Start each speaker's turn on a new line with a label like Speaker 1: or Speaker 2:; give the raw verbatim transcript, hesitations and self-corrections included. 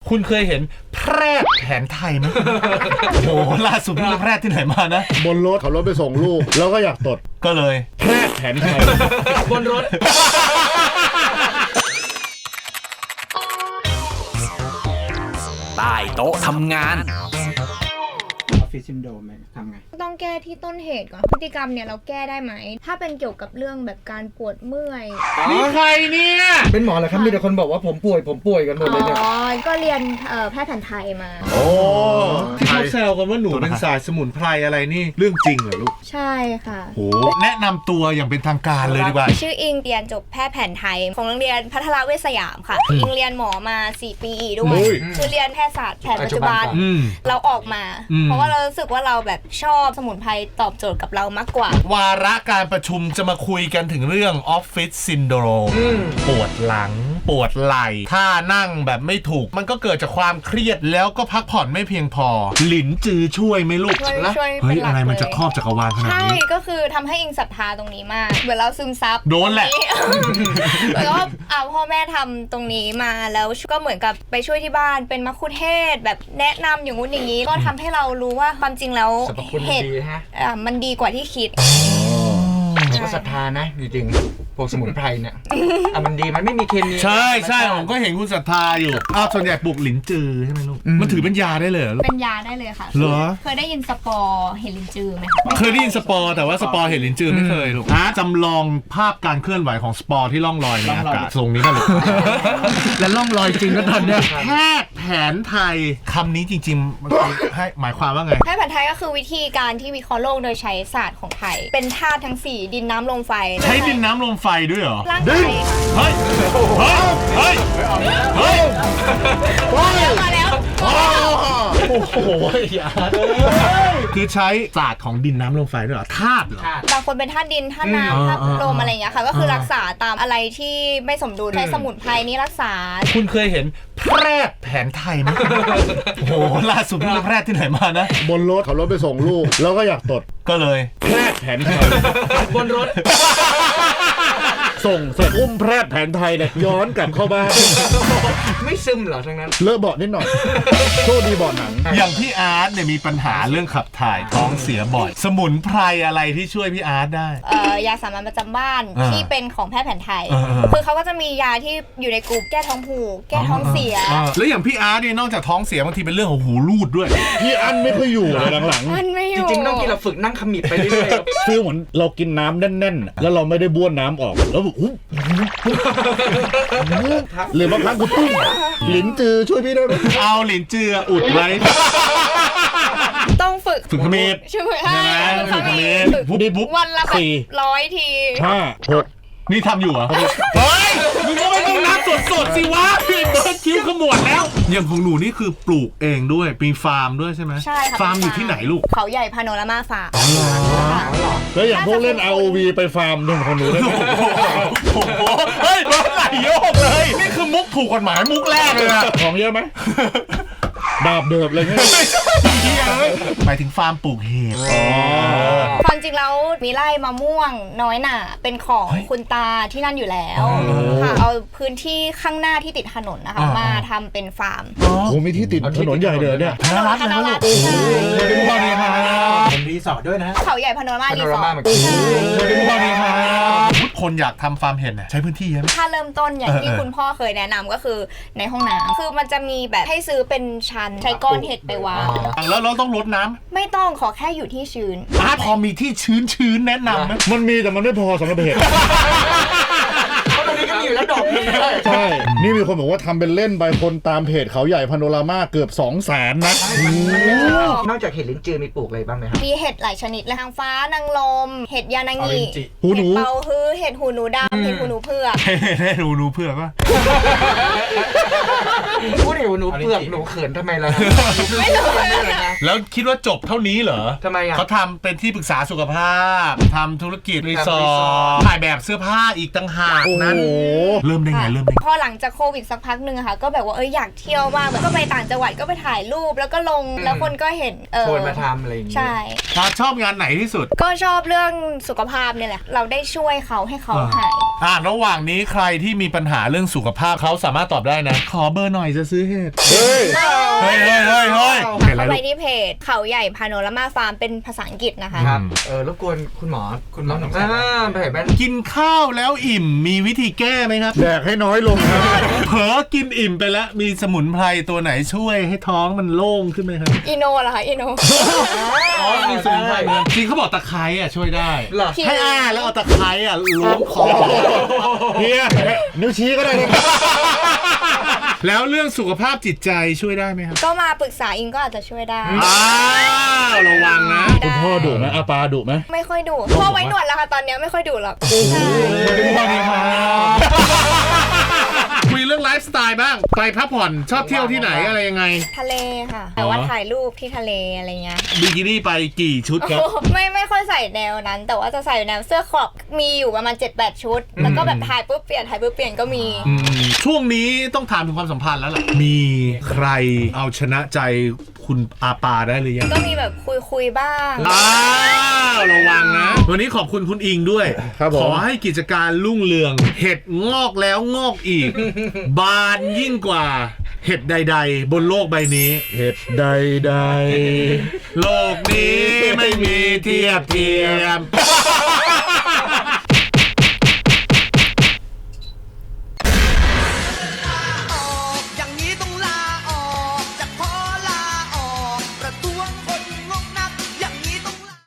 Speaker 1: คุณเคยเห็นแพทย์แผนไทยไหมโอ้โหล่าสุดนี่แพทย์ที่ไหนมานะ
Speaker 2: บนรถขับรถไปส่งลูกแล้วก็อยากตด
Speaker 1: ก็เลย
Speaker 2: แพทย์แผนไทย
Speaker 3: บนรถ
Speaker 4: ใต้โต๊ะทำงาน
Speaker 3: ออฟฟิศซินโดรมทำไง
Speaker 5: ต้องแก้ที่ต้นเหตุก่อนพฤติกรรมเนี่ยเราแก้ได้ไหมถ้าเป็นเกี่ยวกับเรื่องแบบการปวดเมื่อย
Speaker 1: นี่ใครเนี่ย
Speaker 3: เป็นหมอเหรอครับมีแต่คนบอกว่าผมป่วยผมป่วยกันหมดเลยเนี่ย
Speaker 5: อ๋อก็เรียนแพทย์แผนไทยมา
Speaker 1: โอ้ที่เขาแซวกันว่าหนูเป็นสายสมุนไพรอะไรนี่เรื่องจริงเหรอลูก
Speaker 5: ใช่ค่ะ
Speaker 1: โหแนะนำตัวอย่างเป็นทางการเลยดีกว่า
Speaker 5: ชื่ออิงเรียนจบแพทย์แผนไทยของโรงเรียนพัทรเวชสยามค่ะอิงเรียนหมอมาสี่ปีด้วยคือเรียนแพทยศาสตร์แผนปัจจุบันเราออกมาเพราะว่าเรารู้สึกว่าเราแบบชอบสมุนไพรตอบโจทย์กับเรามากกว่าว
Speaker 1: าระการประชุมจะมาคุยกันถึงเรื่องออฟฟิศซินโดรมปวดหลังปวดไหล่ท่านั่งแบบไม่ถูกมันก็เกิดจากความเครียดแล้วก็พักผ่อนไม่เพียงพอหลินจือช่วยไหมลูก
Speaker 5: ช่วย
Speaker 1: เฮ้ยอะไรมันจะครอบจักรวาลขนาดนี้
Speaker 5: ใช่ก็คือทำให้อิงศรัทธาตรงนี้มากเหมือนเราซึมซับ
Speaker 1: โดนแหละ
Speaker 5: แล้วก็เอาพ่อแม่ทำตรงนี้มาแล้วก็เหมือนกับไปช่วยที่บ้านเป็นมัคคุเทศแบบแนะนำอย่างงู้นอย่างนี้ก็ทำให้เรารู้ว่าความจริงแล้ว
Speaker 3: เห็ด
Speaker 5: มันดีกว่าที่คิด
Speaker 3: ผมก็ศรัทธานะจริงๆพวกสมุนไพรเนี่ยอ่ะมันดีมันไม่มีเคมี
Speaker 1: ใช่ใช่ผมก็เห็นคุณศรัทธาอยู่อ้าวส่วนใหญ่ปลูกหลินจือใช่ไหมลูกมันถือเป็นยาได้เลยเหรอ
Speaker 5: เป็นยาได้เลยค่ะ
Speaker 1: เหรอ
Speaker 5: เคยได้ยินสปอร์เห็ดลินจือไหมคะ
Speaker 1: เคยได้ยินสปอร์แต่ว่าสปอร์เห็ดลินจือไม่เคยลูกอ่ะจำลองภาพการเคลื่อนไหวของสปอร์ที่ล่องลอยในอากาศทรงนี้กันเลย
Speaker 3: และล่องลอยจริงก็ตอนเนี้ย
Speaker 1: แพทย์แผนไทยคำนี้จริงๆมันให้หมายความว่าไง
Speaker 5: แพทย์แผนไทยก็คือวิธีการที่วิเคราะห์โลกโดยใช้ศาสตร์ของไทยเป็นธาตุทั้งสี่ดินน้ำลมไฟ
Speaker 1: ใช้ดินน้ำลมไฟด้วยเหรอ
Speaker 5: ร่างกาย
Speaker 1: เฮ้ยเฮ้ยเฮ้ยเฮ้ย
Speaker 5: มาแล้ว
Speaker 1: โอ้โหอย่าคือใช้ศาสตร์ของดินน้ำลมไฟด้วยเหรอธาตุเหร
Speaker 5: อบางคนเป็นธาตุดินธาตุน้ำธาตุลมอะไรอย่างเงี้ยค่ะก็คือรักษาตามอะไรที่ไม่สมดุลใช้สมุนไพรนี้รักษา
Speaker 1: คุณเคยเห็นแพทย์แผนไทยไหมโอ้โหล่าสุดนี่แพทย์ที่ไหนมานะ
Speaker 2: บนรถขับรถไปส่งลูกแล้วก็อยากตด
Speaker 1: ก็เลย
Speaker 2: แพทย์แผนไทย
Speaker 3: บนรถ
Speaker 2: ส่งเสร็จอุ้มแพทย์แผนไทยเนี่ยย้อนกลับเข้าบ้าน
Speaker 3: ไม่ซึมเหรอทั้งนั้น
Speaker 2: เลอะเบาะนิดหน่อยโชคดีเบาะหนัง
Speaker 1: อย่างพี่อาร์ตเนี่ยมีปัญหาเรื่องขับถ่ายท้องเสียบ่อยสมุนไพรอะไรที่ช่วยพี่อาร์ตได้
Speaker 5: เอ่อยาสามัญประจำบ้านที่เป็นของแพทย์แผนไทยคือเขาก็จะมียาที่อยู่ในกลุ่มแก้ท้องผูกแก้ท้องเสีย
Speaker 1: แล้วอย่างพี่อาร์ตเนี่ยนอกจากท้องเสียบางทีเป็นเรื่องของหูรูดด้วย
Speaker 2: พี่อันไม่ค่อยอยู่เลยหลัง
Speaker 5: ๆมันไม่อยู่
Speaker 3: จริงๆต้องกินเราฝึกนั่งขมิบไปเรื่อย
Speaker 2: ๆฟีลเหมือนเรากินน้ำแน่นๆแล้วเราไม่ได้บ้วนน้ำออกแล้วแบบอุ๊บหรือบางครั้งกูตุ้มหลินจือช่วยพี่ได้ไหม
Speaker 1: เอาหลินจืออุดไว้
Speaker 5: ต้องฝึก
Speaker 1: ฝึกขมิบ
Speaker 5: ใช่ไหม
Speaker 1: ฝึกขมิบ
Speaker 5: ฝึกวันละแบบร้อยที
Speaker 2: ห้าหก
Speaker 1: นี่ทำอยู่เหรอเฮ้ยมึงก็ไม่ต้องนับสดๆสิวะพี่เบิร์ดคิ้วขมวดแล้วอย่างของหนูนี่คือปลูกเองด้วยมีฟาร์มด้วยใช่ไหม
Speaker 5: ใช่ค่ะ
Speaker 1: ฟาร์มอยู่ที่ไหนลูก
Speaker 5: เขาใหญ่พาโนรามาฟาร์ม
Speaker 2: แล้วอย่างพวกเล่น อาร์ โอ วี ไปฟาร์มหนึ่งของหนูได้ไหม
Speaker 1: โอ้โหเฮ้ยรถไหลโยกเลยนี่คือมุกถูกกฎหมายมุกแรกเลยอะ
Speaker 2: ของเยอะไหมดาบเดิบเลยเนี่ย
Speaker 1: หมายถึงฟาร์มปลูกเห็ด
Speaker 5: ความจริงแล้วมีไร่มะม่วงน้อยหน่าเป็นของคุณตาที่นั่นอยู่แล้วค่ะเอาพื้นที่ข้างหน้าที่ติดถนนนะคะมาทำเป็นฟาร์ม
Speaker 2: โอ้มีที่ติดถนนใหญ่เลยเนี่ย
Speaker 1: ธนรัตน์นะลูกโอ้โหเป็นพ่อเนี่ยครับ
Speaker 3: เป็นรีสอร์ทด้วยนะ
Speaker 5: เขาใหญ่พาโนรามารีสอร์ท
Speaker 1: เป็นพ่อเนี่ยครับทุกคนอยากทำฟาร์มเห็ดใช้พื้นที่เยอะ
Speaker 5: ถ้าเริ่มต้นอย่างที่คุณพ่อเคยแนะนำก็คือในห้องน้ำคือมันจะมีแบบให้ซื้อเป็นชั้นใช้ก้อนเห็ดไปวาง
Speaker 1: แล้วเราต้องรดน้ำ
Speaker 5: ไม่ต้องขอแค่อยู่ที่ชื้น
Speaker 1: อ่ะพอมีที่ชื้นชื้นแนะนำไหม
Speaker 2: มันมีแต่มันไม่พอสำหรับเห็ด
Speaker 3: เพราะตอนนี้ก็มีอยู่แล้วดอกนึง
Speaker 2: ใช่นี่มีคนบอกว่าทำเป็นเล่นใบคนตามเพจเขาใหญ่พาโนรามาเกือบสองแสนนะ
Speaker 3: นอกจากเห็ดลิ้นจือมีปลูกอะไรบ้างไหมครับ
Speaker 5: มีเห็ดหลายชนิดเลยทางฟ้านางลมเห็ดยานางิ
Speaker 2: หูหนู
Speaker 5: เปาฮื้อเห็ดหูหนูดำเห็ดหูหนูเผือก
Speaker 1: เห็ดหูหนูเผือกป่ะ
Speaker 3: พูดถึงหนูเผือกหนูเขินทำไมล่ะ
Speaker 5: ไม่รู้
Speaker 1: แล้วคิดว่าจบเท่านี้เหรอ
Speaker 3: ทำไมอ่ะ
Speaker 1: เขาทำเป็นที่ปรึกษาสุขภาพทำธุรกิจรีสอร์ทถ่ายแบบเสื้อผ้าอีกต่างหากนั้นเริ่มได้ไงเริ่มได้ไง
Speaker 5: พอหลังจากโควิดสักพักหนึ่งอะค่ะก็แบบว่าเอออยากเที่ยวมากแบบก็ไปต่างจังหวัดก็ไปถ่ายรูปแล้วก็ลงแล้วคนก็เห็นเออ
Speaker 3: ชวนมาทำอะไรอย่างงี้
Speaker 5: ใช่
Speaker 1: ถ้าชอบงานไหนที่สุด
Speaker 5: ก็ชอบเรื่องสุขภาพเนี่ยแหละเราได้ช่วยเขาให้เขาหาย
Speaker 1: อ่าระหว่างนี้ใครที่มีปัญหาเรื่องสุขภาพเขาสามารถตอบได้นะ ขอเบอร์หน่อยจะซื้อเห็ด
Speaker 2: เฮ้ย
Speaker 1: เฮ้ยเฮ้ยเฮ้ยเฮ้ยเห็นอะไร
Speaker 5: เข้าไป
Speaker 1: ลูก
Speaker 5: ที่เพจเขาใหญ่พาโนรามาฟาร์มเป็นภาษาอังกฤษนะคะ
Speaker 3: ครับเออรบกวนคุณหมอคุณหมออ่าไปเห็นไหม
Speaker 1: กินข้าวแล้วอิ่มมีวิธีแก้ไหมครับ
Speaker 2: แดกให้น้อยลงครับ
Speaker 1: เผลอกินอิ่มไปแล้วมีสมุนไพรตัวไหนช่วยให้ท้องมันโล่งขึ้นไหมครับ
Speaker 5: อิโนเหรอคะอิโน
Speaker 1: อ๋อมีสมุนไพรเหมือนจริงเขาบอกตะไคร้อ่ะช่วยได้
Speaker 3: เหรอ
Speaker 1: ให้อ้าแล้วเอาตะไคร้อ่ะล้วงคอ
Speaker 2: เฮียนิ้วชี้ก็ได้นะ
Speaker 1: แล้วเรื่องสุขภาพจิตใจช่วยได้ไหมครับ
Speaker 5: ก็มาปรึกษาอิงก็อาจจะช่วยได้
Speaker 1: อ้าวระวังนะ
Speaker 2: คุณพ่อดุไหมอาปาดุไหม
Speaker 5: ไม่ค่อยดุพ่อไว้หนวดแล้วค่ะตอนเนี้ยไม่ค่อยดุหรอกใช่
Speaker 1: สวัสดีครับคุยเรื่องไลฟ์สไตล์บ้าง ไปพักผ่อนชอบเที่ยวที่ไหนอะไรยังไง
Speaker 5: ทะเลค่ะ แต่ว่าถ่ายรูปที่ทะเลอะไรเงี้ย
Speaker 1: บิกินี่ไปกี่ชุดครับ
Speaker 5: ไม่ไม่ค่อยใส่แนวนั้น แต่ว่าจะใส่แนวเสื้อครอปมีอยู่ประมาณ เจ็ดแปด ชุด แล้วก็แบบถ่ายปุ๊บเปลี่ยนถ่ายปุ๊บเปลี่ยนก็มี
Speaker 1: อืมช่วงนี้ต้องถามถึงความสัมพันธ์แล้วล่ะ มีใครเอาชนะใจคุณอาปาได้หรือยัง
Speaker 5: ก็มีแบบคุยคุยๆบ้าง
Speaker 1: อ้าวระวังนะ วันนี้ขอบคุณคุณอิงด้วย
Speaker 2: ครับผม
Speaker 1: ขอให้กิจการรุ่งเรือง เห็ดงอกแล้วงอกอีก บานยิ่งกว่า เห็ดใด ๆ บนโลกใบนี้
Speaker 2: เห็ดใดใด
Speaker 1: โลกนี้ไม่มีเทียบเทียม